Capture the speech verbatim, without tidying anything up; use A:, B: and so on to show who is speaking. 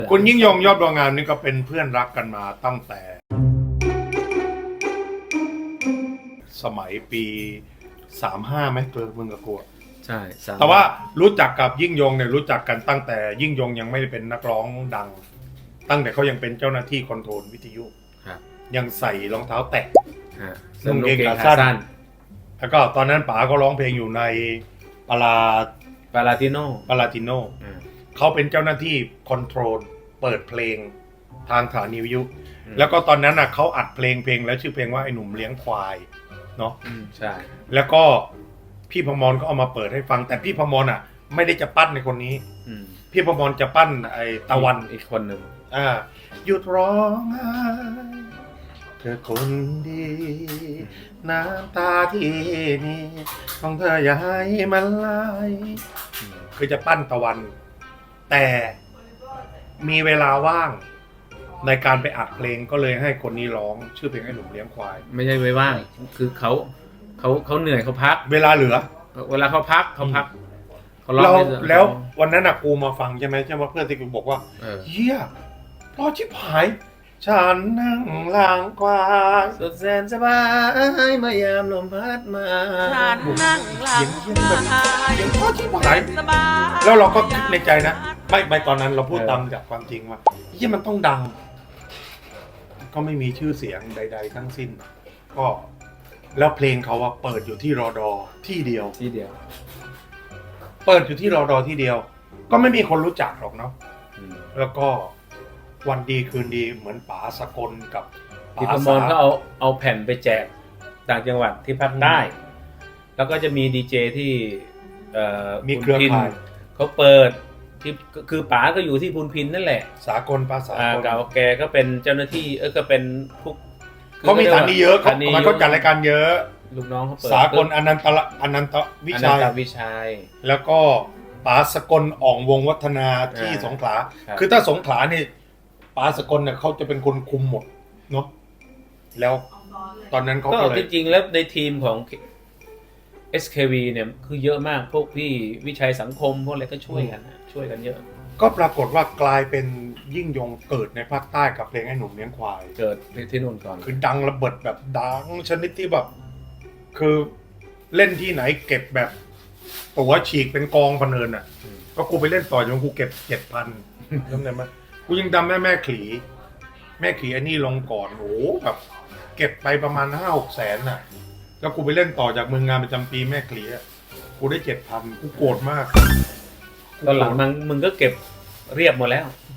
A: คุณยิ่งยงยอดบัวงามนี่ก็เป็นเพื่อนรักกันมาตั้งแต่ สมัยปีสามห้าไหมเกิดมึงกับกู
B: ใช่
A: แต่ว่ารู้จักกับยิ่งยงเนี่ยรู้จักกันตั้งแต่ยิ่งยงยังไม่ได้เป็นนักร้องดังตั้งแต่เขายังเป็นเจ้าหน้าที่คอนโทรลวิทยุยังใส่รองเท้าแตะนุ่งเกงขาสั้นแล้วก็ตอนนั้นป๋าก็ร้องเพลงอยู่ในปารา
B: ปาราติโน
A: ปาราติโนเขาเป็นเจ้าหน้าที่คอนโทรลเปิดเพลงทางสถานีวิทยุแล้วก็ตอนนั้นน่ะเขาอัดเพลงเพลงแล้วชื่อเพลงว่าไอ้หนุ่มเลี้ยงควายเนาะ
B: ใช่
A: แล้วก็พี่พมรก็เอามาเปิดให้ฟังแต่พี่พมรอ่ะไม่ได้จะปั้นในคนนี้พี่พมรจะปั้นไอ้ตะวัน
B: อีกคนหนึ่ง
A: อ่าหยุดร้องไห้เธอคนดีน้ำตาที่นี่ของเธออย่าให้มันไหลคือจะปั้นตะวันแต่มีเวลาว่างในการไปอัดเพลงก็เลยให้คนนี้ร้องชื่อเพลงไอ้หนุ่มเลี้ยงควาย
B: ไม่ใช่ไว้ว่างคือเขาเขาเขาเหนื่อยเขาพัก
A: เวลาเหลือ
B: เวลาเขาพักเขาพัก
A: เขาร้องแล้ววันนั้นน่ะกูมาฟังใช่ไหมใช่ไหมเพื่อนที่กูบอกว่าเฮียพอชิบหายฉันนั่งล้างควาย
B: สุดแสนสบายเมื่อยามลมพัดมา
C: ฉันนั่งล้างควาย
A: ยังพอชิบหายแล้วเราก็คิดในใจนะไม่ไม่ตอนนั้นเราพูดตามจากความจริงว่าเฮียมันต้องดังก็ไม่มีชื่อเสียงใดๆทั้งสิ้นก็แล้วเพลงเขาว่าเปิดอยู่ที่รอดอที่เดียว
B: ที่เดียว
A: เปิดอยู่ที่รอดอที่เดียวก็ไม่มีคนรู้จักหรอกเนาะแล้วก็วันดีคืนดีเหมือนป๋าสกลกับ
B: ป๋าสมรเขาเอาเอาแผ่นไปแจกต่างจังหวัดที่ภาคใต้แล้วก็จะมีดีเจที่
A: มีเครือข่าย
B: เขาเปิดที่คือป๋าก็อยู่ที่พูนพินนั่นแหละ
A: สากลป๋าสากล
B: เก่าแกก็เป็นเจ้าหน้าที่เออก็เป็นพวก
A: เขามีฐานนี้เยอะเขามันก็จัดรายการเยอะ
B: ลูกน้องเขาเปิด
A: สากลอนันตะอนันตวิชัย
B: วิชัย
A: แล้วก็ป๋าสกลอ่องวงวัฒนาที่สงขลาคือถ้าสงขลานี่ป๋าสกลเนี่ยเขาจะเป็นคนคุมหมดเนาะแล้วตอนนั้นเขาก็เลย
B: จริงๆแล้วในทีมของ เอส เค วี เนี่ยคือเยอะมากพวกพี่วิชัยสังคมพวกอะไรก็ช่วยกันช่วยกันเยอะ
A: ก็ปรากฏว่ากลายเป็นยิ่งยงเกิดในภาคใต้กับเพลงไอ้หนุ่มเลี้ยงควาย
B: เกิดที่นู่นก่อน
A: คือดังระเบิดแบบดังชนิดที่แบบคือเล่นที่ไหนเก็บแบบตั๋วฉีกเป็นกองพเนินอ่ะก็กูไปเล่นต่อจนกูเก็บเจ็ดพันจำได้ไหมกูยังจำแม่แม่ขลีแม่ขลีไอ้นี่ลงก่อนโอ้แบบเก็บไปประมาณห้าหกแสนน่ะแล้วกูไปเล่นต่อจากเมืองงานประจำปีแม่ขลีอ่ะกูได้เจ็ดพันกูโกรธมาก
B: ตอนหลังมึงมึงก็เก็บเรียบหมดแล้ว